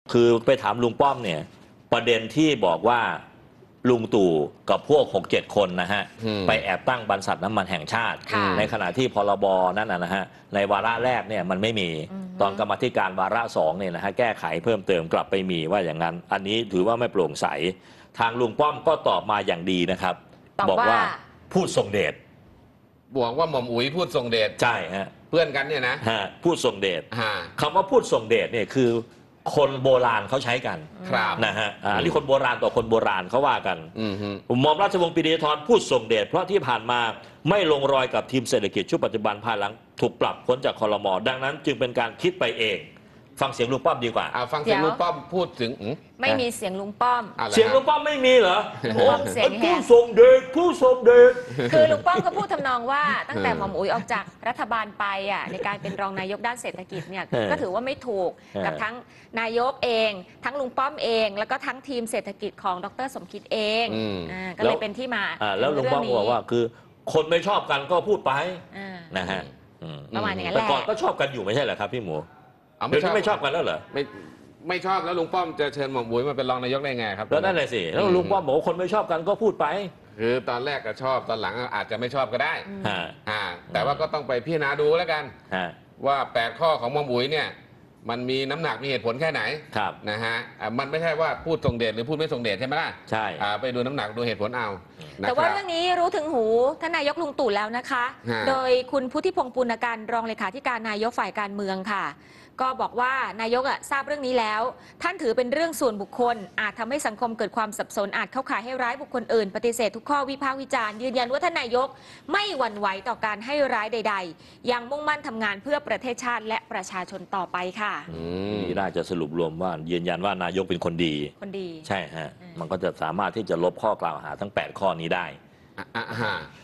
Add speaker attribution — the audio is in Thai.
Speaker 1: คือไปถามลุงป้อมเนี่ยประเด็นที่บอกว่าลุงตู่กับพวก 6-7 คนนะฮะไปแอบตั้งบรรษัทน้ำมันแห่งชาติในขณะที่พรบนั้นนะฮะในวาระแรกเนี่ยมันไม่มีตอนกรรมาธิการวาระ2เนี่ยนะฮะแก้ไขเพิ่มเติมกลับไปมีว่าอย่างนั้นอันนี้ถือว่าไม่โปร่งใสทางลุงป้อมก็ตอบมาอย่างดีนะครับบอกว่าพูดทรงเดช
Speaker 2: บอกว่าหม่อมอุ๋ยพูดทรงเดช
Speaker 1: ใช่ฮะ
Speaker 2: เพื่อนกันเนี่ยนะ
Speaker 1: พูดทรงเดชคำว่าพูดทรงเดชเนี่ยคือคนโบราณเขาใช้กันนะฮะอันนี้คนโบราณต่อคนโบราณเขาว่ากันหม่อมราชวงศ์ปรีดีธรพูดทรงเดชเพราะที่ผ่านมาไม่ลงรอยกับทีมเศรษฐกิจชุดปัจจุบันภายหลังถูกปรับพ้นจากครม.ดังนั้นจึงเป็นการคิดไปเองฟังเสียงลุงป้อมดีกว่า
Speaker 2: ฟังเสียงลุงป้อมพูดถึง
Speaker 3: ไม่มีเสียงลุงป้อม
Speaker 1: เสียงลุงป้อมไม่มีเหรอ
Speaker 3: เสียง
Speaker 1: ผู้ทรงเดชผู้ทรงเดช
Speaker 3: คือลุงป้อมก็พูดทำนองว่าตั้งแต่หม่อมอุ๋ยออกจากรัฐบาลไปในการเป็นรองนายกด้านเศรษฐกิจเนี่ยก็ถือว่าไม่ถูกกับทั้งนายกเองทั้งลุงป้อมเองแล้วก็ทั้งทีมเศรษฐกิจของดร.สมคิดเองก็เลยเป็นที่มา
Speaker 1: แล้วลุงป้อมบอกว่าคือคนไม่ชอบกันก็พูดไปนะฮะ
Speaker 3: ประมาณอย่างนั้นแหละ
Speaker 1: แต่ก่อนก็ชอบกันอยู่ไม่ใช่เหรอครับพี่หมูเดี๋ยวนี้ไม่ชอบกันแล้วเหรอ
Speaker 2: ไม่ชอบแล้วลุงป้อมจะเชิญหม่อมอุ๋ยมาเป็นรองนายกได้ไงครับ
Speaker 1: แล้วนั่นแหละสิแล้วลุงป้อมบอกว่าคนไม่ชอบกันก็พูดไป
Speaker 2: คือตอนแรกก็ชอบตอนหลังอาจจะไม่ชอบก็ได้แต่ว่าก็ต้องไปพิจารณาดูแล้วกันว่า8 ข้อของหม่อมอุ๋ยเนี่ยมันมีน้ำหนักมีเหตุผลแค่ไหนนะฮะมันไม่ใช่ว่าพูดทรงเดชหรือพูดไม่ทรงเดชใช่ไหมล่ะ
Speaker 1: ใช่
Speaker 2: ไปดูน้ำหนักดูเหตุผลเอา
Speaker 3: แต่ว่าเรื่องนี้รู้ถึงหูท่านนายกลุงตู่แล้วนะคะโดยคุณพุทธิพงษ์ปุณการรองเลขาธิการนายกฝ่ายการเมืองค่ะก็บอกว่านายกทราบเรื่องนี้แล้วท่านถือเป็นเรื่องส่วนบุคคลอาจทำให้สังคมเกิดความสับสนอาจเข้าข่ายให้ร้ายบุคคลอื่นปฏิเสธทุกข้อวิพากษ์วิจารณ์ยืนยันว่าท่านนายกไม่หวั่นไหวต่อการให้ร้ายใดๆยังมุ่งมั่นทำงานเพื่อประเทศชาติและประชาชนต่อไปค่ะ
Speaker 1: นี่น่าจะสรุปรวมว่ายืนยันว่านายกเป็นคนดีใช่ฮะมันก็จะสามารถที่จะลบข้อกล่าวหาทั้ง8 ข้อนี้ได้